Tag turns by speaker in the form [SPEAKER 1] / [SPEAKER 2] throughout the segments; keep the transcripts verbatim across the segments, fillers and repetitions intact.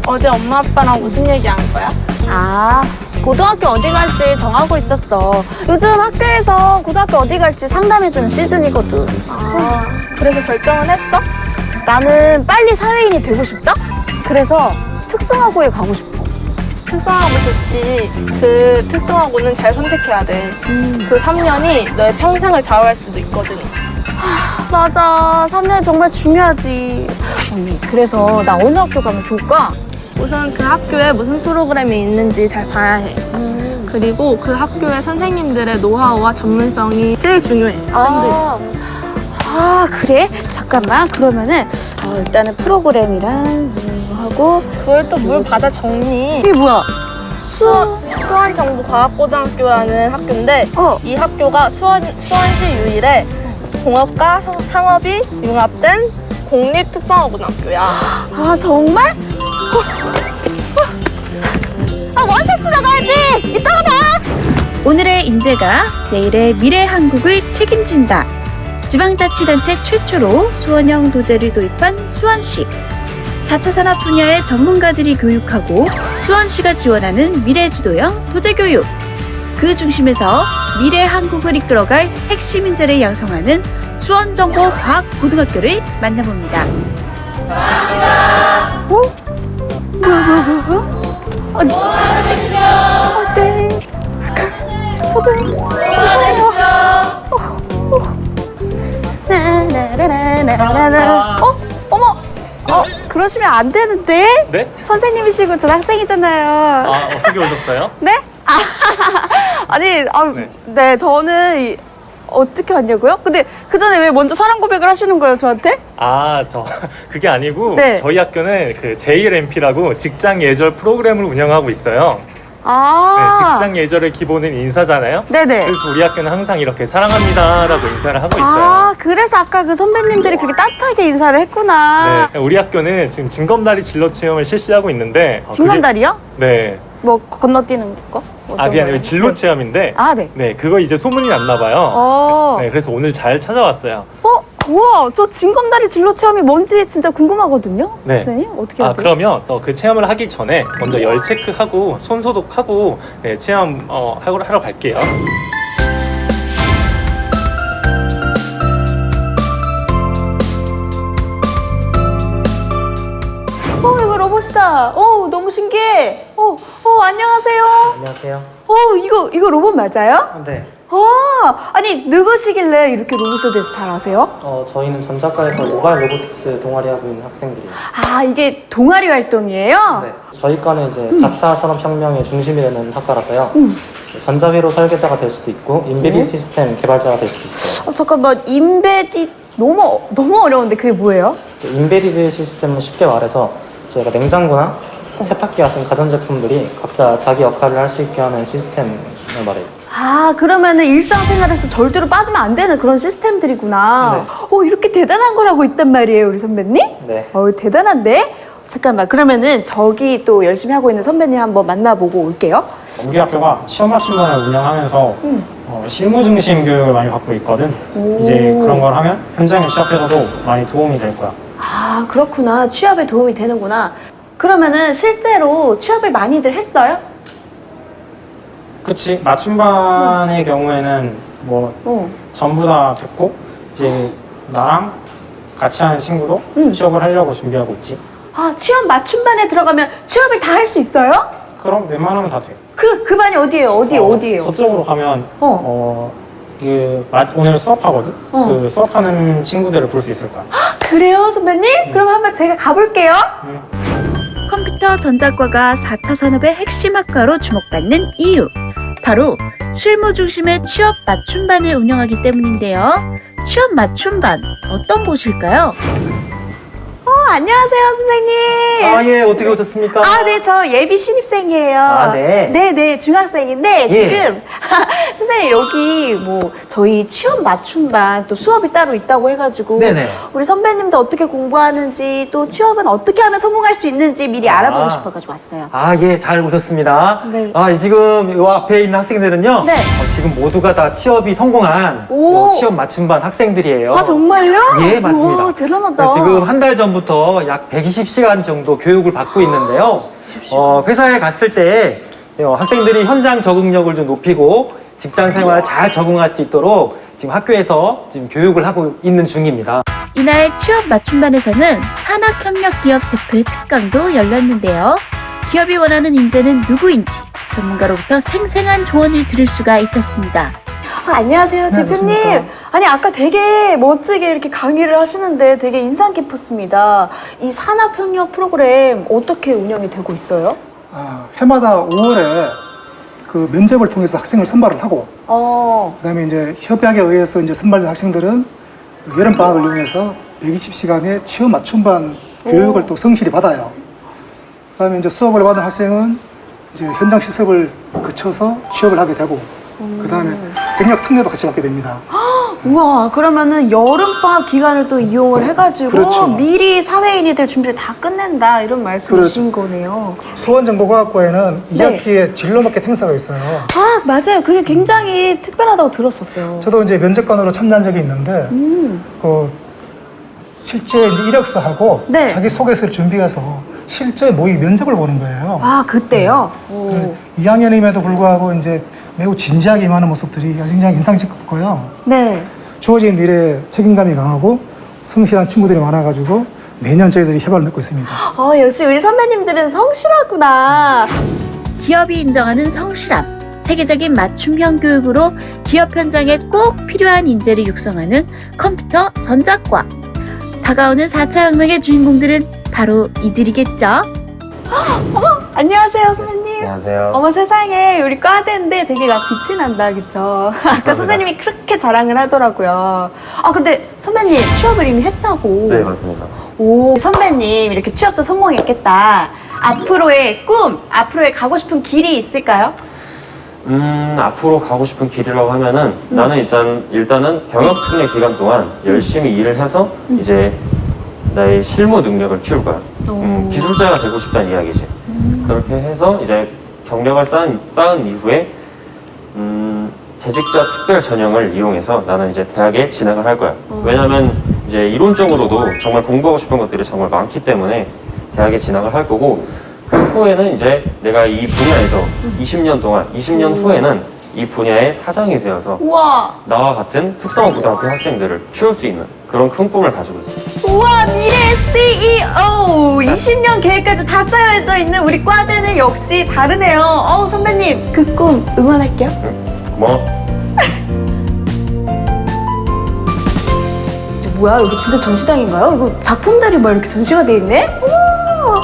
[SPEAKER 1] 어제 엄마 아빠랑 무슨 얘기한 거야?
[SPEAKER 2] 아, 고등학교 어디 갈지 정하고 있었어. 요즘 학교에서 고등학교 어디 갈지 상담해주는 시즌이거든.
[SPEAKER 1] 아, 그래서 결정은 했어?
[SPEAKER 2] 나는 빨리 사회인이 되고 싶다? 그래서 특성화고에 가고 싶어.
[SPEAKER 1] 특성화고 좋지. 그 특성화고는 잘 선택해야 돼.
[SPEAKER 2] 음.
[SPEAKER 1] 그 삼 년이 너의 평생을 좌우할 수도 있거든.
[SPEAKER 2] 맞아, 삼 년 정말 중요하지. 언니, 그래서 나 어느 학교 가면 좋을까?
[SPEAKER 1] 우선 그 학교에 무슨 프로그램이 있는지 잘 봐야 해.
[SPEAKER 2] 음.
[SPEAKER 1] 그리고 그 학교의 선생님들의 노하우와 전문성이 제일 중요해. 쌤들.
[SPEAKER 2] 아, 아, 그래? 잠깐만. 그러면은 어, 일단은 프로그램이랑 이거 하고
[SPEAKER 1] 그걸 또 뭘 받아 적니?
[SPEAKER 2] 이게 뭐야?
[SPEAKER 1] 수원, 수원정보과학고등학교라는 학교인데
[SPEAKER 2] 어.
[SPEAKER 1] 이 학교가 수원, 수원시 유일의 공업과 상- 상업이 융합된 공립특성화고등학교야.
[SPEAKER 2] 아, 정말? 어, 어. 아, 원샷 나가야지. 이따가 봐.
[SPEAKER 3] 오늘의 인재가 내일의 미래 한국을 책임진다. 지방자치단체 최초로 수원형 도제를 도입한 수원시. 사 차 산업 분야의 전문가들이 교육하고 수원시가 지원하는 미래주도형 도제교육. 그 중심에서 미래 한국을 이끌어갈 핵심 인재를 양성하는 수원정보과학고등학교를 만나봅니다.
[SPEAKER 2] 어? 뭐야, 뭐야, 뭐야, 뭐야? 아니. 아, 네. 저도요. 죄송해요. 어, 어. 나나나나나나나. 어? 어머! 어, 그러시면 안 되는데?
[SPEAKER 4] 네?
[SPEAKER 2] 선생님이시고 전 학생이잖아요.
[SPEAKER 4] 아, 어떻게 오셨어요?
[SPEAKER 2] 네? 아, 아니, 아, 네.
[SPEAKER 4] 네.
[SPEAKER 2] 저는 이, 어떻게 왔냐고요? 근데 그 전에 왜 먼저 사랑 고백을 하시는 거예요, 저한테?
[SPEAKER 4] 아, 저 그게 아니고
[SPEAKER 2] 네.
[SPEAKER 4] 저희 학교는 그 제이엘엠피라고 직장 예절 프로그램을 운영하고 있어요. 네,
[SPEAKER 2] 아,
[SPEAKER 4] 직장 예절의 기본은 인사잖아요.
[SPEAKER 2] 네네.
[SPEAKER 4] 그래서 우리 학교는 항상 이렇게 사랑합니다라고 인사를 하고 있어요.
[SPEAKER 2] 아, 그래서 아까 그 선배님들이 그렇게 따뜻하게 인사를 했구나.
[SPEAKER 4] 네, 우리 학교는 지금 징검다리 진로 체험을 실시하고 있는데 어, 그게-
[SPEAKER 2] 징검다리요?
[SPEAKER 4] 네.
[SPEAKER 2] 뭐 건너뛰는 거? 어떤
[SPEAKER 4] 아, 그게 아니고
[SPEAKER 2] 거예요?
[SPEAKER 4] 진로 체험인데
[SPEAKER 2] 아, 네.
[SPEAKER 4] 네, 그거 이제 소문이 났나 봐요.
[SPEAKER 2] 어,
[SPEAKER 4] 네, 그래서 오늘 잘 찾아왔어요.
[SPEAKER 2] 어, 우와, 저 징검다리 진로 체험이 뭔지 진짜 궁금하거든요.
[SPEAKER 4] 네.
[SPEAKER 2] 선생님 어떻게 해야
[SPEAKER 4] 아,
[SPEAKER 2] 돼요?
[SPEAKER 4] 그러면 또 그 체험을 하기 전에 먼저 열 체크하고 손 소독하고 네, 체험 어, 하러, 하러 갈게요.
[SPEAKER 2] 어, 이거 로봇이다. 어, 너무 신기해. 어, 어, 안녕하세요.
[SPEAKER 5] 안녕하세요.
[SPEAKER 2] 어, 이거 이거 로봇 맞아요?
[SPEAKER 5] 네.
[SPEAKER 2] 아, 아니 누구시길래 이렇게 로봇에 대해서 잘 아세요?
[SPEAKER 5] 어, 저희는 전작과에서 모바일 로보틱스 동아리 하고 있는 학생들이에요.
[SPEAKER 2] 아, 이게 동아리 활동이에요?
[SPEAKER 5] 네. 저희 과는 이제 사 차 산업혁명의 중심이 되는 학과라서요.
[SPEAKER 2] 음.
[SPEAKER 5] 전자회로 설계자가 될 수도 있고 인베디
[SPEAKER 2] 네.
[SPEAKER 5] 시스템 개발자가 될 수도 있어요.
[SPEAKER 2] 어, 잠깐만, 인베디 너무 너무 어려운데 그게 뭐예요?
[SPEAKER 5] 인베디드 시스템은 쉽게 말해서 저희가 냉장고나 세탁기 같은 가전제품들이 각자 자기 역할을 할 수 있게 하는 시스템을 말해요.
[SPEAKER 2] 아, 그러면은 일상생활에서 절대로 빠지면 안 되는 그런 시스템들이구나. 어, 이렇게 대단한 걸 하고 있단 말이에요, 우리 선배님?
[SPEAKER 5] 네.
[SPEAKER 2] 어, 대단한데? 잠깐만, 그러면은 저기 또 열심히 하고 있는 선배님 한번 만나보고 올게요.
[SPEAKER 6] 우리 학교가 시험 맞춤반을 운영하면서
[SPEAKER 2] 음.
[SPEAKER 6] 어, 실무 중심 교육을 많이 받고 있거든.
[SPEAKER 2] 오.
[SPEAKER 6] 이제 그런 걸 하면 현장에 취업해서도 많이 도움이 될 거야.
[SPEAKER 2] 아, 그렇구나. 취업에 도움이 되는구나. 그러면은 실제로 취업을 많이들 했어요?
[SPEAKER 6] 그치? 맞춤반의 경우에는 뭐
[SPEAKER 2] 어.
[SPEAKER 6] 전부 다 됐고 이제 나랑 같이 하는 친구도
[SPEAKER 2] 음.
[SPEAKER 6] 취업을 하려고 준비하고 있지.
[SPEAKER 2] 아, 취업 맞춤반에 들어가면 취업을 다 할 수 있어요?
[SPEAKER 6] 그럼 웬만하면 다 돼.
[SPEAKER 2] 그, 그 반이 어디예요? 어디,
[SPEAKER 6] 어,
[SPEAKER 2] 어, 디예요
[SPEAKER 6] 서쪽으로 가면
[SPEAKER 2] 어.
[SPEAKER 6] 어, 그 마- 오늘 수업하거든?
[SPEAKER 2] 어.
[SPEAKER 6] 그 수업하는 친구들을 볼 수 있을 거야.
[SPEAKER 2] 그래요, 선배님? 그럼 한번 제가 가볼게요.
[SPEAKER 3] 컴퓨터 전자과가 사 차 산업의 핵심 학과로 주목받는 이유. 바로 실무 중심의 취업 맞춤반을 운영하기 때문인데요. 취업 맞춤반 어떤 곳일까요?
[SPEAKER 2] 어, 안녕하세요, 선생님.
[SPEAKER 5] 아, 예, 어떻게 오셨습니까?
[SPEAKER 2] 아, 네, 저 예비 신입생이에요.
[SPEAKER 5] 아, 네.
[SPEAKER 2] 네, 네, 중학생인데
[SPEAKER 5] 예.
[SPEAKER 2] 지금 선생님 여기 뭐 저희 취업 맞춤반 또 수업이 따로 있다고 해가지고
[SPEAKER 7] 네네.
[SPEAKER 2] 우리 선배님도 어떻게 공부하는지 또 취업은 어떻게 하면 성공할 수 있는지 미리
[SPEAKER 7] 아.
[SPEAKER 2] 알아보고 싶어가지고 왔어요.
[SPEAKER 7] 아, 예, 잘 오셨습니다.
[SPEAKER 2] 네.
[SPEAKER 7] 아, 지금 요 앞에 있는 학생들은요.
[SPEAKER 2] 네.
[SPEAKER 7] 어, 지금 모두가 다 취업이 성공한
[SPEAKER 2] 오.
[SPEAKER 7] 요 취업 맞춤반 학생들이에요.
[SPEAKER 2] 아 정말요?
[SPEAKER 7] 예, 맞습니다.
[SPEAKER 2] 우와, 대단하다.
[SPEAKER 7] 그래서 지금 한 달 전부터 약 백이십 시간 정도 교육을 받고 있는데요. 어, 회사에 갔을 때 어, 학생들이 현장 적응력을 좀 높이고 직장 생활 잘 적응할 수 있도록 지금 학교에서 지금 교육을 하고 있는 중입니다.
[SPEAKER 3] 이날 취업 맞춤반에서는 산학협력기업 대표의 특강도 열렸는데요. 기업이 원하는 인재는 누구인지 전문가로부터 생생한 조언을 들을 수가 있었습니다.
[SPEAKER 2] 아, 안녕하세요, 대표님. 아니, 아까 되게 멋지게 이렇게 강의를 하시는데 되게 인상 깊었습니다. 이 산업협력 프로그램 어떻게 운영이 되고 있어요?
[SPEAKER 8] 아, 해마다 오월에 그 면접을 통해서 학생을 선발을 하고,
[SPEAKER 2] 어,
[SPEAKER 8] 그다음에 이제 협약에 의해서 이제 선발된 학생들은 여름 방학을 이용해서 백이십 시간의 취업 맞춤반 교육을 또 성실히 받아요. 그다음에 이제 수업을 받은 학생은 이제 현장 실습을 거쳐서 취업을 하게 되고, 그다음에 경력 특례도 같이 받게 됩니다.
[SPEAKER 2] 우와, 그러면은 여름방학 기간을 또 이용을 해가지고
[SPEAKER 8] 그렇죠.
[SPEAKER 2] 미리 사회인이 될 준비를 다 끝낸다 이런 말씀이신
[SPEAKER 8] 그렇죠.
[SPEAKER 2] 거네요.
[SPEAKER 8] 수원정보과학과에는 이
[SPEAKER 2] 네.
[SPEAKER 8] 학기에 진로마켓 행사가 있어요.
[SPEAKER 2] 아, 맞아요. 그게 굉장히 특별하다고 들었었어요.
[SPEAKER 8] 저도 이제 면접관으로 참여한 적이 있는데,
[SPEAKER 2] 음,
[SPEAKER 8] 그 실제 이제 이력서하고
[SPEAKER 2] 네.
[SPEAKER 8] 자기 소개서를 준비해서 실제 모의 면접을 보는 거예요.
[SPEAKER 2] 아, 그때요? 오.
[SPEAKER 8] 그래서 이 학년임에도 불구하고 이제 매우 진지하게 임하는 모습들이 굉장히 인상 깊고요.
[SPEAKER 2] 네.
[SPEAKER 8] 주어진 일에 책임감이 강하고 성실한 친구들이 많아가지고 매년 저희들이 협약을 맺고 있습니다.
[SPEAKER 2] 어, 역시 우리 선배님들은 성실하구나.
[SPEAKER 3] 기업이 인정하는 성실함, 세계적인 맞춤형 교육으로 기업 현장에 꼭 필요한 인재를 육성하는 컴퓨터 전자과. 다가오는 사 차 혁명의 주인공들은 바로 이들이겠죠.
[SPEAKER 2] 안녕하세요, 선배님.
[SPEAKER 5] 안녕하세요.
[SPEAKER 2] 어머 세상에, 우리 과대인데 되게 막 빛이 난다, 그쵸? 아까 선생님이 그렇게 자랑을 하더라고요. 아, 근데 선배님 취업을 이미 했다고.
[SPEAKER 5] 네, 맞습니다.
[SPEAKER 2] 오, 선배님 이렇게 취업도 성공했겠다. 앞으로의 꿈, 앞으로의 가고 싶은 길이 있을까요?
[SPEAKER 9] 음, 앞으로 가고 싶은 길이라고 하면은 나는 일단, 일단은 병역 특례 기간 동안 열심히 일을 해서 이제 나의 실무 능력을 키울 거야. 음, 기술자가 되고 싶다는 이야기지. 그렇게 해서 이제 경력을 쌓은, 쌓은 이후에 음, 재직자 특별 전형을 이용해서 나는 이제 대학에 진학을 할 거야. 왜냐면 이제 이론적으로도 정말 공부하고 싶은 것들이 정말 많기 때문에 대학에 진학을 할 거고, 그 후에는 이제 내가 이 분야에서 이십 년 동안, 이십 년 후에는 이 분야의 사장이 되어서
[SPEAKER 2] 우와,
[SPEAKER 9] 나와 같은 특성화 고등학교 학생들을 키울 수 있는 그런 큰 꿈을 가지고 있어.
[SPEAKER 2] 우와, 미래 씨이오. 이십 년 계획까지 다 짜여져 있는 우리 과대는 역시 다르네요. 어우, 선배님, 그 꿈 응원할게요.
[SPEAKER 9] 고마워.
[SPEAKER 2] 뭐야, 여기 진짜 전시장인가요? 이거 작품들이 막 이렇게 전시가 돼 있네? 우와.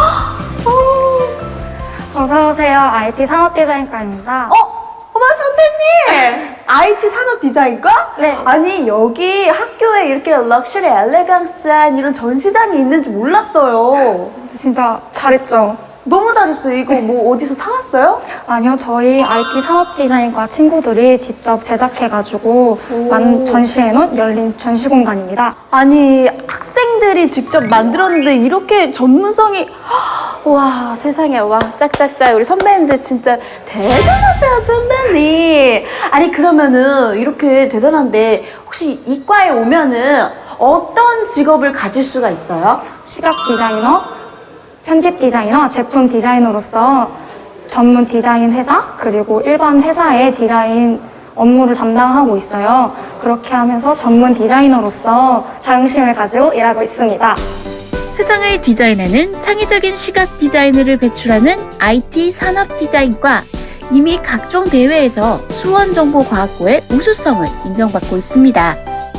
[SPEAKER 2] 어,
[SPEAKER 1] 어서오세요. 아이티 산업디자인과입니다.
[SPEAKER 2] 어? 어머, 선배님! 아이티 산업 디자인과?
[SPEAKER 1] 네.
[SPEAKER 2] 아니, 여기 학교에 이렇게 럭셔리 엘레강스한 이런 전시장이 있는지 몰랐어요.
[SPEAKER 1] 진짜 잘했죠?
[SPEAKER 2] 너무 잘했어요. 이거 뭐 어디서 사왔어요?
[SPEAKER 1] 아니요, 저희 아이티 산업디자인과 친구들이 직접 제작해가지고 만 전시해놓은 열린 전시 공간입니다.
[SPEAKER 2] 아니, 학생들이 직접 만들었는데 이렇게 전문성이, 와, 세상에, 와, 짝짝짝. 우리 선배님들 진짜 대단하세요, 선배님. 아니, 그러면은 이렇게 대단한데 혹시 이과에 오면은 어떤 직업을 가질 수가 있어요?
[SPEAKER 1] 시각 디자이너, 편집 디자이너, 제품 디자이너로서 전문 디자인 회사, 그리고 일반 회사의 디자인 업무를 담당하고 있어요. 그렇게 하면서 전문 디자이너로서 자긍심을 가지고 일하고 있습니다.
[SPEAKER 3] 세상을 디자인하는 창의적인 시각 디자이너를 배출하는 아이티 산업 디자인과. 이미 각종 대회에서 수원정보과학고의 우수성을 인정받고 있습니다.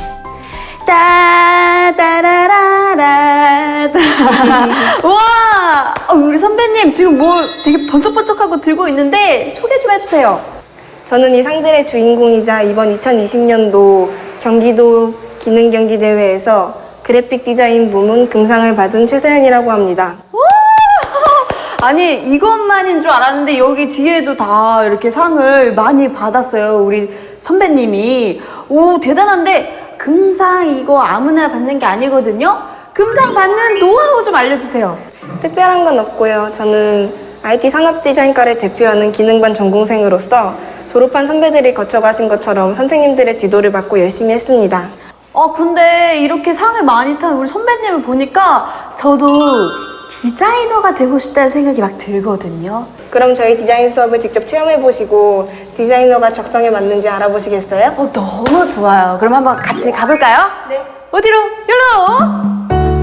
[SPEAKER 2] 따다라라라. 우와! 어, 우리 선배님 지금 뭐 되게 번쩍번쩍하고 들고 있는데 소개 좀 해주세요.
[SPEAKER 10] 저는 이 상들의 주인공이자 이번 이천이십 년도 경기도 기능경기대회에서 그래픽 디자인 부문 금상을 받은 최세연이라고 합니다.
[SPEAKER 2] 아니 이것만인 줄 알았는데 여기 뒤에도 다 이렇게 상을 많이 받았어요. 우리 선배님이. 오 대단한데 금상 이거 아무나 받는 게 아니거든요. 금상 받는 노하우 좀 알려주세요.
[SPEAKER 10] 특별한 건 없고요. 저는 아이티 산업디자인과를 대표하는 기능반 전공생으로서 졸업한 선배들이 거쳐가신 것처럼 선생님들의 지도를 받고 열심히 했습니다.
[SPEAKER 2] 어 근데 이렇게 상을 많이 탄 우리 선배님을 보니까 저도 디자이너가 되고 싶다는 생각이 막 들거든요.
[SPEAKER 10] 그럼 저희 디자인 수업을 직접 체험해보시고 디자이너가 적성에 맞는지 알아보시겠어요?
[SPEAKER 2] 어 너무 좋아요. 그럼 한번 같이 가볼까요?
[SPEAKER 10] 네.
[SPEAKER 2] 어디로? 여기로!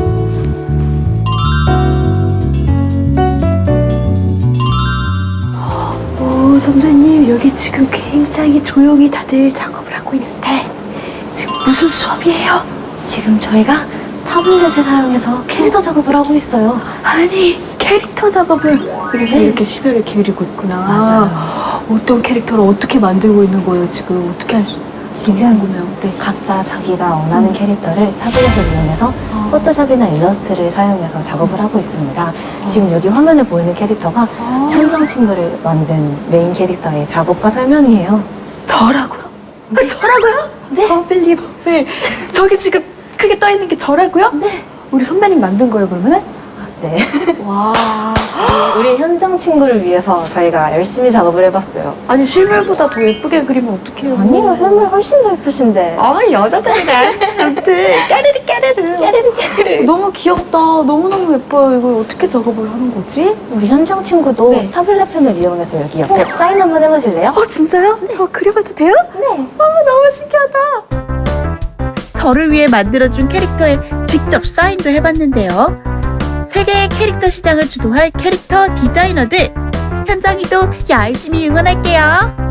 [SPEAKER 2] 오 선배님 여기 지금 굉장히 조용히 다들 작업을 하고 있는데 지금 무슨 수업이에요?
[SPEAKER 11] 지금 저희가 타블렛을 사용해서 캐릭터 작업을 하고 있어요.
[SPEAKER 2] 아니 캐릭터 작업을 그래서
[SPEAKER 11] 네.
[SPEAKER 2] 이렇게 시별을 기울이고 있구나.
[SPEAKER 11] 맞아요.
[SPEAKER 2] 어떤 캐릭터를 어떻게 만들고 있는 거예요 지금? 어떻게 할 수?
[SPEAKER 11] 지금 네, 각자 자기가 원하는 캐릭터를 타블렛을 이용해서 포토샵이나 일러스트를 사용해서 작업을 하고 있습니다. 지금 여기 화면에 보이는 캐릭터가 현정 친구를 만든 메인 캐릭터의 작업과 설명이에요.
[SPEAKER 2] 저라고요? 네. 아, 저라고요?
[SPEAKER 11] 네.
[SPEAKER 2] 어빌리버블. 저기 지금 크게 떠 있는 게 저라고요?
[SPEAKER 11] 네.
[SPEAKER 2] 우리 선배님 만든 거예요 그러면은?
[SPEAKER 11] 네.
[SPEAKER 2] 와.
[SPEAKER 11] 우리 현정 친구를 위해서 저희가 열심히 작업을 해봤어요.
[SPEAKER 2] 아니 실물보다 더 예쁘게 그리면 어떡해요?
[SPEAKER 11] 아니요, 실물 훨씬 더 예쁘신데.
[SPEAKER 2] 아 여자들이랑 아무튼 까르르 까르르
[SPEAKER 11] 깨르르 깨르르.
[SPEAKER 2] 너무 귀엽다. 너무너무 예뻐요. 이걸 어떻게 작업을 하는 거지?
[SPEAKER 11] 우리 현정 친구도
[SPEAKER 2] 네.
[SPEAKER 11] 타블렛 펜을 이용해서 여기 옆에 사인 한번 해보실래요?
[SPEAKER 2] 어 진짜요? 저 그려봐도 돼요?
[SPEAKER 11] 네.
[SPEAKER 2] 아 너무 신기하다.
[SPEAKER 3] 저를 위해 만들어준 캐릭터에 직접 사인도 해봤는데요. 세계의 캐릭터 시장을 주도할 캐릭터 디자이너들, 현정이도 열심히 응원할게요.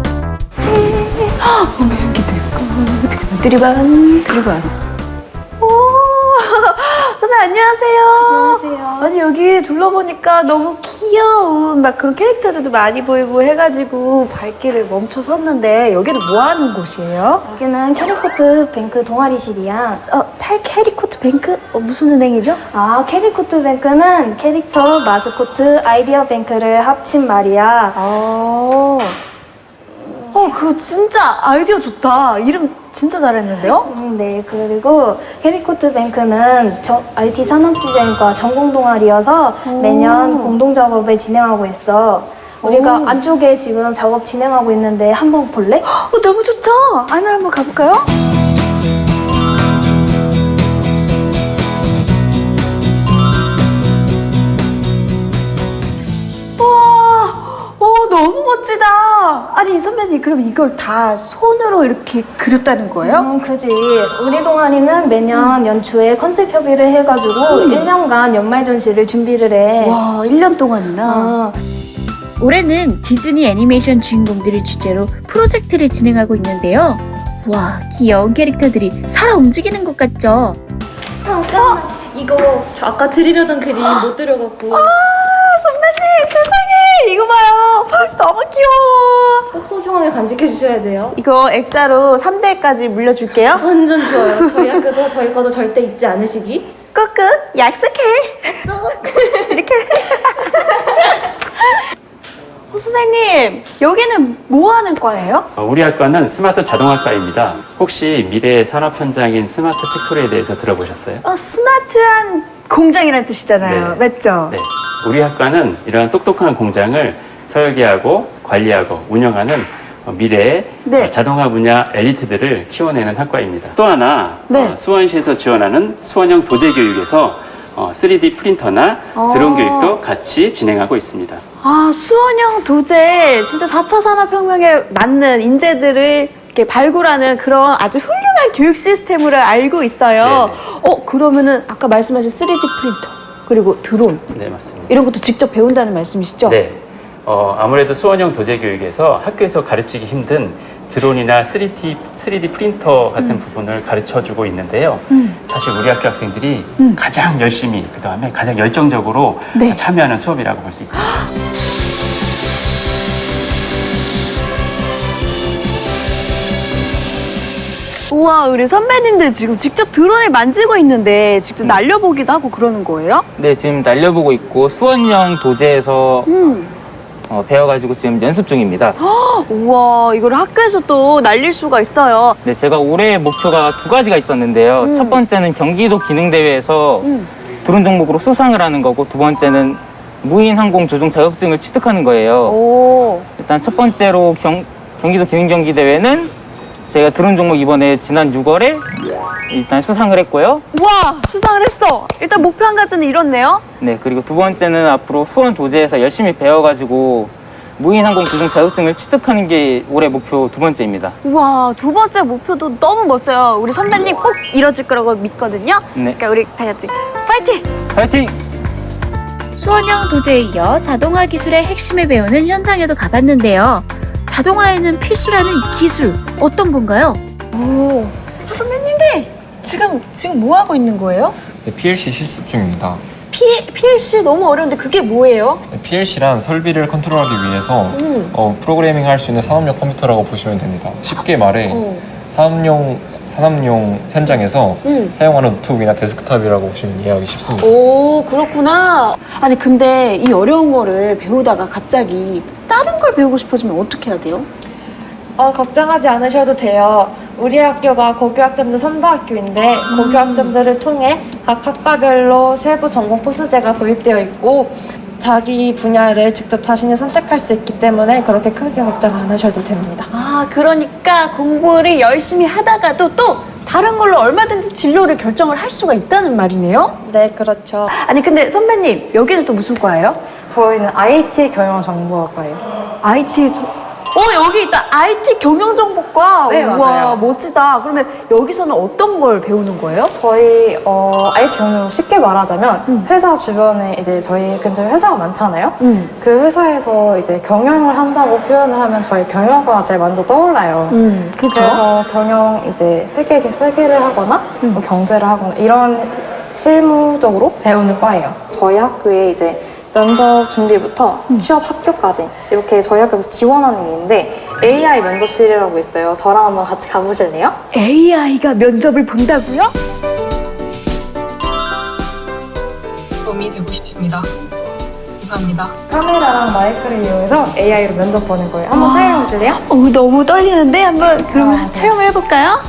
[SPEAKER 2] 어머 여기도 있고 드리반 드리반 드리반. 오 선배 안녕하세요.
[SPEAKER 11] 안녕하세요.
[SPEAKER 2] 아니 여기 둘러보니까 너무 귀여운 막 그런 캐릭터들도 많이 보이고 해가지고 발길을 멈춰 섰는데 여기는 뭐 하는 곳이에요?
[SPEAKER 11] 여기는 캐리코트 뱅크 동아리실이야.
[SPEAKER 2] 어, 팔 캐리코트 뱅크? 어, 무슨 은행이죠?
[SPEAKER 1] 아, 캐리코트 뱅크는 캐릭터, 마스코트, 아이디어 뱅크를 합친 말이야.
[SPEAKER 2] 어, 어 그거 진짜 아이디어 좋다. 이름 진짜 잘했는데요?
[SPEAKER 1] 음, 네, 그리고 캐리코트 뱅크는 저, 아이티 산업디자인과 전공 동아리여서 매년 공동 작업을 진행하고 있어. 우리가
[SPEAKER 2] 오.
[SPEAKER 1] 안쪽에 지금 작업 진행하고 있는데 한번 볼래?
[SPEAKER 2] 어, 너무 좋죠? 안으로 한번 가볼까요? 와, 오, 너무 멋지다. 아니, 선배님, 그럼 이걸 다 손으로 이렇게 그렸다는 거예요?
[SPEAKER 1] 음, 그지. 우리 동아리는 매년 연초에 컨셉 협의를 해가지고 일 년간 연말 전시를 준비를 해.
[SPEAKER 2] 와, 일 년 동안이나.
[SPEAKER 1] 어,
[SPEAKER 3] 올해는 디즈니 애니메이션 주인공들을 주제로 프로젝트를 진행하고 있는데요. 와, 귀여운 캐릭터들이 살아 움직이는 것 같죠?
[SPEAKER 11] 잠깐만. 이거 저 아까 드리려던 그림 못 드려갖고
[SPEAKER 2] 아, 선배님, 세상에! 이거 봐요. 너무 귀여워.
[SPEAKER 11] 꼭 소중하게 간직해 주셔야 돼요.
[SPEAKER 2] 이거 액자로 삼 대까지 물려줄게요.
[SPEAKER 11] 완전 좋아요. 저희 학교도 저희 거도 절대 잊지 않으시기.
[SPEAKER 2] 꾹꾹 약속해. 이렇게. 어, 선생님, 여기는 뭐 하는 과예요?
[SPEAKER 12] 어, 우리 학과는 스마트 자동학과입니다. 혹시 미래의 산업 현장인 스마트 팩토리에 대해서 들어보셨어요?
[SPEAKER 2] 어, 스마트한 공장이라는 뜻이잖아요.
[SPEAKER 12] 네.
[SPEAKER 2] 맞죠?
[SPEAKER 12] 네. 우리 학과는 이러한 똑똑한 공장을 설계하고 관리하고 운영하는 어, 미래의
[SPEAKER 2] 네.
[SPEAKER 12] 어, 자동화 분야 엘리트들을 키워내는 학과입니다. 또 하나
[SPEAKER 2] 네.
[SPEAKER 12] 어, 수원시에서 지원하는 수원형 도제 교육에서 어, 쓰리디 프린터나 드론
[SPEAKER 2] 어.
[SPEAKER 12] 교육도 같이 진행하고 있습니다.
[SPEAKER 2] 아, 수원형 도제. 진짜 사 차 산업혁명에 맞는 인재들을 이렇게 발굴하는 그런 아주 훌륭한 교육 시스템으로 알고 있어요.
[SPEAKER 12] 네네.
[SPEAKER 2] 어, 그러면은 아까 말씀하신 쓰리디 프린터, 그리고 드론.
[SPEAKER 12] 네, 맞습니다.
[SPEAKER 2] 이런 것도 직접 배운다는 말씀이시죠?
[SPEAKER 12] 네. 어, 아무래도 수원형 도제 교육에서 학교에서 가르치기 힘든 드론이나 쓰리디, 쓰리디 프린터 같은
[SPEAKER 2] 음.
[SPEAKER 12] 부분을 가르쳐주고 있는데요. 사실 우리 학교 학생들이
[SPEAKER 2] 음.
[SPEAKER 12] 가장 열심히, 그 다음에 가장 열정적으로
[SPEAKER 2] 네.
[SPEAKER 12] 참여하는 수업이라고 볼 수 있습니다.
[SPEAKER 2] 우와, 우리 선배님들 지금 직접 드론을 만지고 있는데 직접 날려보기도 하고 그러는 거예요?
[SPEAKER 13] 네, 지금 날려보고 있고 수원형 도제에서
[SPEAKER 2] 음.
[SPEAKER 13] 어, 배워가지고 지금 연습 중입니다.
[SPEAKER 2] 우와, 이걸 학교에서 또 날릴 수가 있어요.
[SPEAKER 13] 네, 제가 올해의 목표가 두 가지가 있었는데요.
[SPEAKER 2] 음.
[SPEAKER 13] 첫 번째는 경기도 기능대회에서
[SPEAKER 2] 음.
[SPEAKER 13] 드론 종목으로 수상을 하는 거고, 두 번째는 무인 항공 조종 자격증을 취득하는 거예요.
[SPEAKER 2] 오.
[SPEAKER 13] 일단 첫 번째로 경, 경기도 기능경기대회는 제가 드론 종목 이번에 지난 유월에 일단 수상을 했고요.
[SPEAKER 2] 우와, 수상을 했어. 일단 목표 한 가지는 이뤘네요.
[SPEAKER 13] 네, 그리고 두 번째는 앞으로 수원 도제에서 열심히 배워가지고 무인 항공 조종 자격증을 취득하는 게 올해 목표 두 번째입니다.
[SPEAKER 2] 우와, 두 번째 목표도 너무 멋져요. 우리 선배님 꼭 이뤄질 거라고 믿거든요.
[SPEAKER 13] 네.
[SPEAKER 2] 그러니까 우리 다 같이 파이팅!
[SPEAKER 13] 파이팅!
[SPEAKER 3] 수원형 도제에 이어 자동화 기술의 핵심을 배우는 현장에도 가봤는데요. 자동화에는 필수라는 이 기술, 어떤 건가요?
[SPEAKER 2] 오, 아, 선배님들 지금 지금 뭐 하고 있는 거예요?
[SPEAKER 14] 네, 피엘씨 실습 중입니다.
[SPEAKER 2] P, 피엘씨 너무 어려운데 그게 뭐예요?
[SPEAKER 14] 네, 피엘씨란 설비를 컨트롤하기 위해서
[SPEAKER 2] 음.
[SPEAKER 14] 어, 프로그래밍 할 수 있는 산업용 컴퓨터라고 보시면 됩니다. 쉽게 말해
[SPEAKER 2] 어.
[SPEAKER 14] 산업용, 산업용 현장에서
[SPEAKER 2] 음.
[SPEAKER 14] 사용하는 노트북이나 데스크탑이라고 보시면 이해하기 쉽습니다.
[SPEAKER 2] 오, 그렇구나. 아니 근데 이 어려운 거를 배우다가 갑자기 다른 걸 배우고 싶어지면 어떻게 해야 돼요?
[SPEAKER 15] 어, 걱정하지 않으셔도 돼요. 우리 학교가 고교학점제 선도학교인데 고교학점제를 통해 각 학과별로 세부 전공 코스제가 도입되어 있고 자기 분야를 직접 자신이 선택할 수 있기 때문에 그렇게 크게 걱정 안 하셔도 됩니다.
[SPEAKER 2] 아, 그러니까 공부를 열심히 하다가도 또 다른 걸로 얼마든지 진로를 결정을 할 수가 있다는 말이네요?
[SPEAKER 15] 네, 그렇죠.
[SPEAKER 2] 아니 근데 선배님, 여기는 또 무슨 과예요?
[SPEAKER 16] 저희는 아이티 경영정보학과예요.
[SPEAKER 2] 아이티 어, 여기 있다. 아이티 경영정보과.
[SPEAKER 16] 네,
[SPEAKER 2] 우와,
[SPEAKER 16] 맞아요.
[SPEAKER 2] 멋지다. 그러면 여기서는 어떤 걸 배우는 거예요?
[SPEAKER 16] 저희 어, 아이티 경영으로 쉽게 말하자면 회사 주변에 이제 저희 근처에 회사가 많잖아요.
[SPEAKER 2] 음.
[SPEAKER 16] 그 회사에서 이제 경영을 한다고 표현을 하면 저희 경영과가 제일 먼저 떠올라요.
[SPEAKER 2] 음, 그쵸.
[SPEAKER 16] 그래서 경영 이제 회계 회계를 하거나 뭐 경제를 하거나 이런 실무적으로 배우는 과예요. 저희 학교에 이제 면접 준비부터 취업 합격까지 이렇게 저희 학교에서 지원하는 게 있는데 에이아이 면접실이라고 있어요. 저랑 한번 같이 가보실래요?
[SPEAKER 2] 에이아이가 면접을 본다고요?
[SPEAKER 17] 도움이 되고 싶습니다. 감사합니다.
[SPEAKER 16] 카메라랑 마이크를 이용해서 에이아이로 면접 보는 거예요. 한번
[SPEAKER 2] 아.
[SPEAKER 16] 촬영해 보실래요?
[SPEAKER 2] 어, 너무 떨리는데 한번 그러면 체험을 해볼까요?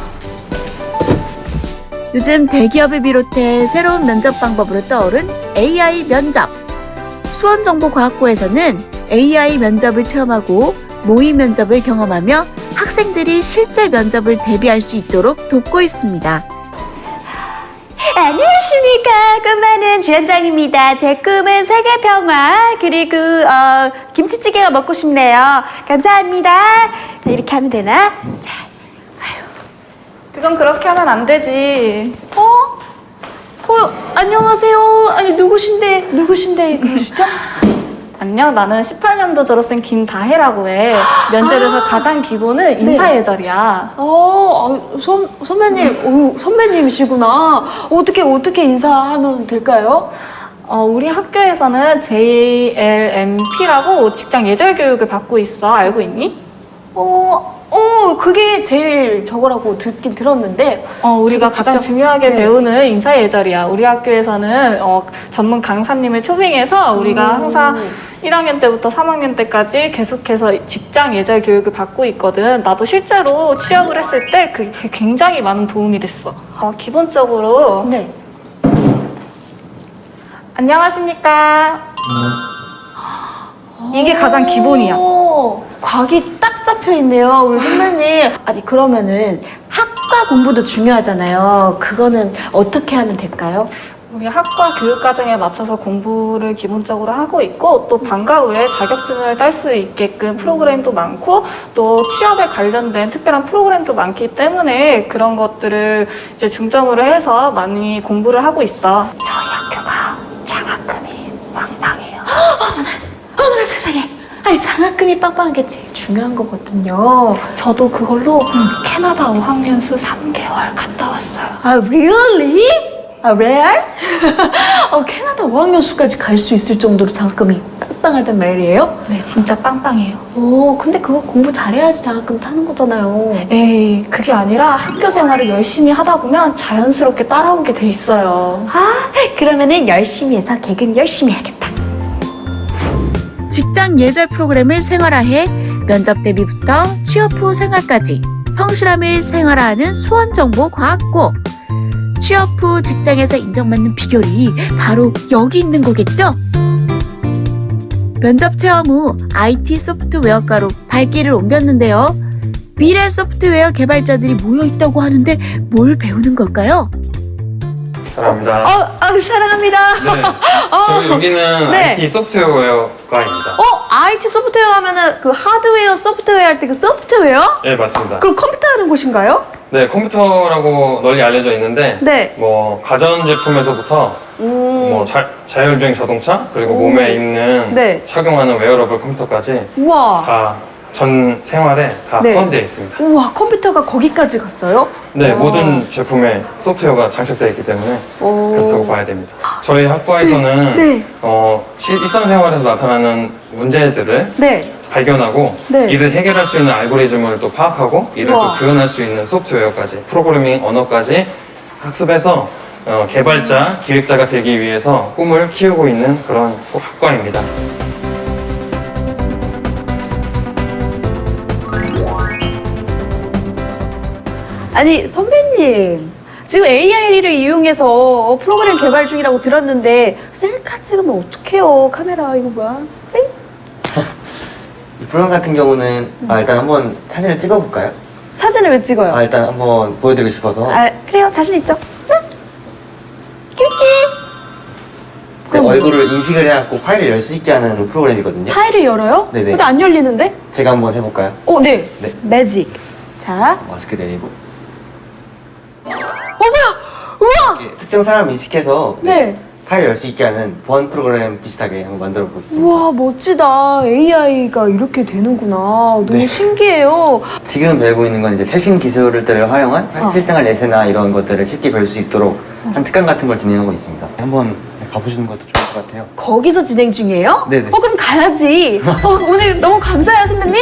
[SPEAKER 3] 요즘 대기업을 비롯해 새로운 면접 방법으로 떠오른 에이아이 면접. 수원정보과학고에서는 에이아이 면접을 체험하고 모의 면접을 경험하며 학생들이 실제 면접을 대비할 수 있도록 돕고 있습니다.
[SPEAKER 2] 안녕하십니까. 꿈많은 주연장입니다. 제 꿈은 세계평화 그리고 어, 김치찌개가 먹고 싶네요. 감사합니다. 자, 이렇게 하면 되나? 자,
[SPEAKER 15] 그건 그렇게 하면 안 되지.
[SPEAKER 2] 어? 어, 안녕하세요. 아니 누구신데 누구신데 그러시죠?
[SPEAKER 15] 안녕, 나는 십팔 년도 졸업생 김다혜라고 해. 면접에서 가장 기본은 인사예절이야.
[SPEAKER 2] 어, 아, 선, 선배님, 오, 선배님이시구나. 어떻게, 어떻게 인사하면 될까요?
[SPEAKER 15] 어, 우리 학교에서는 제이엘엠피라고 직장 예절 교육을 받고 있어. 알고 있니?
[SPEAKER 2] 어, 어, 그게 제일 저거라고 듣긴 들었는데.
[SPEAKER 15] 어, 우리가 가장
[SPEAKER 2] 직접-
[SPEAKER 15] 중요하게
[SPEAKER 2] 네.
[SPEAKER 15] 배우는 인사예절이야. 우리 학교에서는 어, 전문 강사님을 초빙해서 우리가
[SPEAKER 2] 음.
[SPEAKER 15] 항상 일 학년 때부터 삼 학년 때까지 계속해서 직장 예절 교육을 받고 있거든. 나도 실제로 취업을 했을 때 그게 굉장히 많은 도움이 됐어. 어, 기본적으로
[SPEAKER 2] 네.
[SPEAKER 15] 안녕하십니까. 이게 가장 기본이야.
[SPEAKER 2] 오, 각이 딱 잡혀 있네요, 우리 선배님. 아니, 그러면은 학과 공부도 중요하잖아요. 그거는 어떻게 하면 될까요?
[SPEAKER 15] 우리 학과 교육 과정에 맞춰서 공부를 기본적으로 하고 있고 또 방과 후에 자격증을 딸 수 있게끔 프로그램도 많고 또 취업에 관련된 특별한 프로그램도 많기 때문에 그런 것들을 이제 중점으로 해서 많이 공부를 하고 있어.
[SPEAKER 2] 저희 학교가 장학금이 빵빵해요. 어머나, 어머나 세상에. 아니, 장학금이 빵빵한 게 제일 중요한 거거든요.
[SPEAKER 15] 저도 그걸로 캐나다 어학연수 삼 개월 갔다 왔어요.
[SPEAKER 2] 아, really? 아, 레알? 어, 캐나다 어학연수까지 갈 수 있을 정도로 장학금이 빵빵하단 말이에요?
[SPEAKER 18] 네, 진짜 빵빵해요.
[SPEAKER 2] 오, 근데 그거 공부 잘해야지 장학금 타는 거잖아요.
[SPEAKER 18] 에이, 그게 아니라 학교 생활을 열심히 하다 보면 자연스럽게 따라오게 돼 있어요.
[SPEAKER 2] 아, 그러면은 열심히 해서 개근 열심히 해야겠다.
[SPEAKER 3] 직장 예절 프로그램을 생활화해 면접 대비부터 취업 후 생활까지 성실함을 생활화하는 수원정보과학고. 취업 후 직장에서 인정받는 비결이 바로 여기 있는 거겠죠? 면접 체험 후 아이티 소프트웨어과로 발길을 옮겼는데요. 미래 소프트웨어 개발자들이 모여 있다고 하는데 뭘 배우는 걸까요?
[SPEAKER 9] 사랑합니다.
[SPEAKER 2] 어, 어 사랑합니다.
[SPEAKER 9] 네.
[SPEAKER 2] 어,
[SPEAKER 9] 저희 여기는
[SPEAKER 2] 네.
[SPEAKER 9] 아이티 소프트웨어과입니다.
[SPEAKER 2] 어, 아이티 소프트웨어 하면은 그 하드웨어, 소프트웨어 할 때 그 소프트웨어?
[SPEAKER 9] 네, 맞습니다.
[SPEAKER 2] 그럼 컴퓨터 하는 곳인가요?
[SPEAKER 9] 네, 컴퓨터라고 널리 알려져 있는데
[SPEAKER 2] 네.
[SPEAKER 9] 뭐 가전제품에서부터
[SPEAKER 2] 음.
[SPEAKER 9] 뭐 자, 자율주행 자동차 그리고
[SPEAKER 2] 오.
[SPEAKER 9] 몸에 입는
[SPEAKER 2] 네.
[SPEAKER 9] 착용하는 웨어러블 컴퓨터까지
[SPEAKER 2] 우와.
[SPEAKER 9] 다 전 생활에 다
[SPEAKER 2] 네.
[SPEAKER 9] 포함되어 있습니다.
[SPEAKER 2] 우와, 컴퓨터가 거기까지 갔어요?
[SPEAKER 9] 네,
[SPEAKER 2] 와.
[SPEAKER 9] 모든 제품에 소프트웨어가 장착되어 있기 때문에
[SPEAKER 2] 오.
[SPEAKER 9] 그렇다고 봐야 됩니다. 저희 학과에서는
[SPEAKER 2] 네.
[SPEAKER 9] 어, 실- 일상생활에서 나타나는 문제들을
[SPEAKER 2] 네.
[SPEAKER 9] 발견하고
[SPEAKER 2] 네.
[SPEAKER 9] 이를 해결할 수 있는 알고리즘을 또 파악하고 이를
[SPEAKER 2] 우와.
[SPEAKER 9] 또 구현할 수 있는 소프트웨어까지 프로그래밍 언어까지 학습해서 어, 개발자, 기획자가 되기 위해서 꿈을 키우고 있는 그런 학과입니다.
[SPEAKER 2] 아니, 선배님. 지금 에이아이를 이용해서 프로그램 개발 중이라고 들었는데 셀카 찍으면 어떡해요? 카메라 이거 뭐야? 땡?
[SPEAKER 19] 이 프로그램 같은 경우는 아, 일단 한번 사진을 찍어볼까요?
[SPEAKER 2] 사진을 왜 찍어요?
[SPEAKER 19] 아, 일단 한번 보여드리고 싶어서.
[SPEAKER 2] 아, 그래요. 자신 있죠? 짠! 김치!
[SPEAKER 19] 네, 얼굴을 인식을 해갖고 파일을 열 수 있게 하는 프로그램이거든요.
[SPEAKER 2] 파일을 열어요?
[SPEAKER 19] 네네.
[SPEAKER 2] 근데 안 열리는데?
[SPEAKER 19] 제가 한번 해볼까요?
[SPEAKER 2] 어, 네.
[SPEAKER 19] 네.
[SPEAKER 2] 매직. 자.
[SPEAKER 19] 마스크 내리고.
[SPEAKER 2] 어, 뭐야! 우와!
[SPEAKER 19] 이렇게 특정 사람을 인식해서
[SPEAKER 2] 네.
[SPEAKER 19] 파일을 열 수 있게 하는 보안 프로그램 비슷하게 한번 만들어 보겠습니다.
[SPEAKER 2] 우와, 멋지다. 에이아이가 이렇게 되는구나. 너무
[SPEAKER 19] 네.
[SPEAKER 2] 신기해요.
[SPEAKER 19] 지금 배우고 있는 건 이제 최신 기술들을 활용한
[SPEAKER 2] 어.
[SPEAKER 19] 실생활 예세나 이런 것들을 쉽게 배울 수 있도록 한 특강 같은 걸 진행하고 있습니다. 한번 가보시는 것도 좋을 것 같아요.
[SPEAKER 2] 거기서 진행 중이에요?
[SPEAKER 19] 네네.
[SPEAKER 2] 어, 그럼 가야지. 어, 오늘 너무 감사해요, 선배님.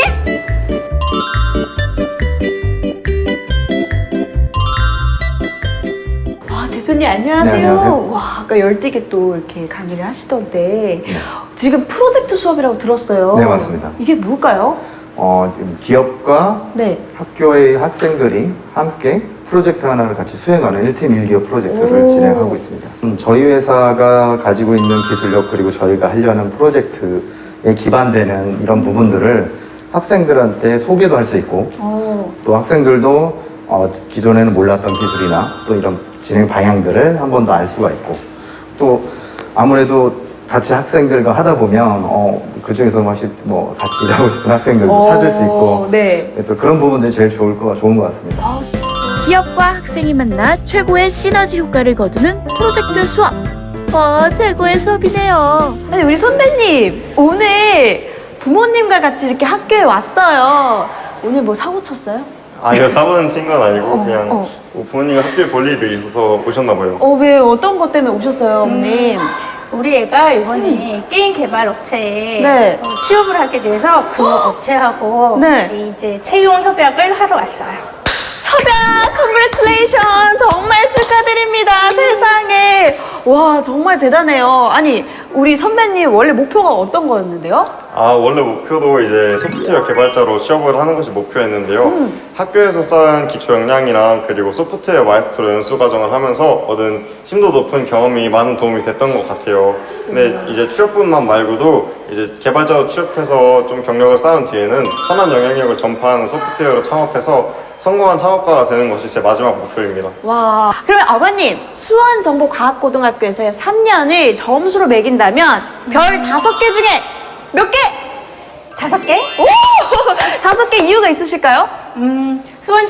[SPEAKER 2] 와, 대표님 안녕하세요.
[SPEAKER 20] 네, 안녕하세요.
[SPEAKER 2] 와, 아까 열띠게 또 이렇게 강의를 하시던데 지금 프로젝트 수업이라고 들었어요.
[SPEAKER 20] 네, 맞습니다.
[SPEAKER 2] 이게 뭘까요?
[SPEAKER 20] 어, 지금 기업과
[SPEAKER 2] 네.
[SPEAKER 20] 학교의 학생들이 함께 프로젝트 하나를 같이 수행하는 일 팀 일 기업 프로젝트를
[SPEAKER 2] 오.
[SPEAKER 20] 진행하고 있습니다. 음, 저희 회사가 가지고 있는 기술력 그리고 저희가 하려는 프로젝트에 기반되는 이런 부분들을 학생들한테 소개도 할 수 있고
[SPEAKER 2] 어.
[SPEAKER 20] 또 학생들도 어, 기존에는 몰랐던 기술이나 또 이런 진행 방향들을 한 번 더 알 수가 있고 또 아무래도 같이 학생들과 하다 보면 어, 그 중에서 막 뭐 같이 일하고 싶은 학생들도
[SPEAKER 2] 어,
[SPEAKER 20] 찾을 수 있고
[SPEAKER 2] 네.
[SPEAKER 20] 또 그런 부분들이 제일 좋을 거, 좋은 것 같습니다.
[SPEAKER 3] 기업과 학생이 만나 최고의 시너지 효과를 거두는 프로젝트 수업. 어, 최고의 수업이네요.
[SPEAKER 2] 아니, 우리 선배님 오늘 부모님과 같이 이렇게 학교에 왔어요. 오늘 뭐 사고 쳤어요?
[SPEAKER 21] 아니요, 사고는 친 건 아니고 그냥
[SPEAKER 2] 어.
[SPEAKER 21] 뭐 부모님이 학교에 볼 일이 있어서 오셨나 봐요.
[SPEAKER 2] 어, 왜 어떤 것 때문에 오셨어요, 어머님?
[SPEAKER 22] 우리 애가 이번에 게임 개발 업체에
[SPEAKER 2] 네.
[SPEAKER 22] 어, 취업을 하게 돼서 그 업체하고
[SPEAKER 2] 네.
[SPEAKER 22] 같이 이제 채용 협약을 하러 왔어요.
[SPEAKER 2] 협약, 컨그레츄레이션 정말 축하드립니다. 세상에. 와, 정말 대단해요. 아니, 우리 선배님 원래 목표가 어떤 거였는데요?
[SPEAKER 21] 아, 원래 목표도 이제 소프트웨어 개발자로 취업을 하는 것이 목표였는데요.
[SPEAKER 2] 음.
[SPEAKER 21] 학교에서 쌓은 기초 역량이랑 그리고 소프트웨어 마이스터로 연수 과정을 하면서 얻은 심도 높은 경험이 많은 도움이 됐던 것 같아요. 근데 이제 취업뿐만 말고도 이제 개발자로 취업해서 좀 경력을 쌓은 뒤에는 선한 영향력을 전파하는 소프트웨어로 창업해서 성공한 창업가가 되는 것이 제 마지막 목표입니다.
[SPEAKER 2] 와, 그러면 아버님 수원정보과학고등학교에서의 삼 년을 점수로 매긴다면 별 다섯 개 중에 몇 개?
[SPEAKER 22] 다섯 개?
[SPEAKER 2] 오! 다섯 개 이유가 있으실까요?
[SPEAKER 22] 음,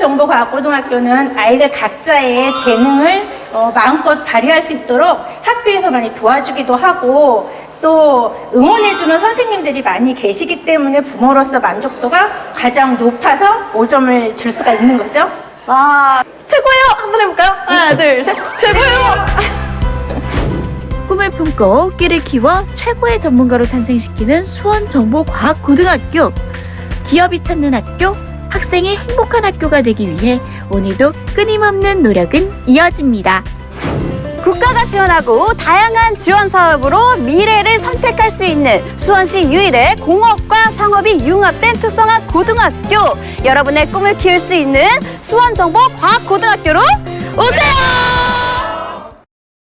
[SPEAKER 22] 수원정보과학고등학교는 아이들 각자의 재능을 어, 마음껏 발휘할 수 있도록 학교에서 많이 도와주기도 하고 또 응원해주는 선생님들이 많이 계시기 때문에 부모로서 만족도가 가장 높아서 오 점을 줄 수가 있는 거죠.
[SPEAKER 2] 와, 최고예요! 한번 해볼까요? 하나, 둘, 셋, 최고예요!
[SPEAKER 3] 꿈을 품고 끼를 키워 최고의 전문가로 탄생시키는 수원정보과학고등학교. 기업이 찾는 학교, 학생이 행복한 학교가 되기 위해 오늘도 끊임없는 노력은 이어집니다.
[SPEAKER 2] 국가가 지원하고 다양한 지원 사업으로 미래를 선택할 수 있는 수원시 유일의 공업과 상업이 융합된 특성화 고등학교. 여러분의 꿈을 키울 수 있는 수원정보과학고등학교로 오세요!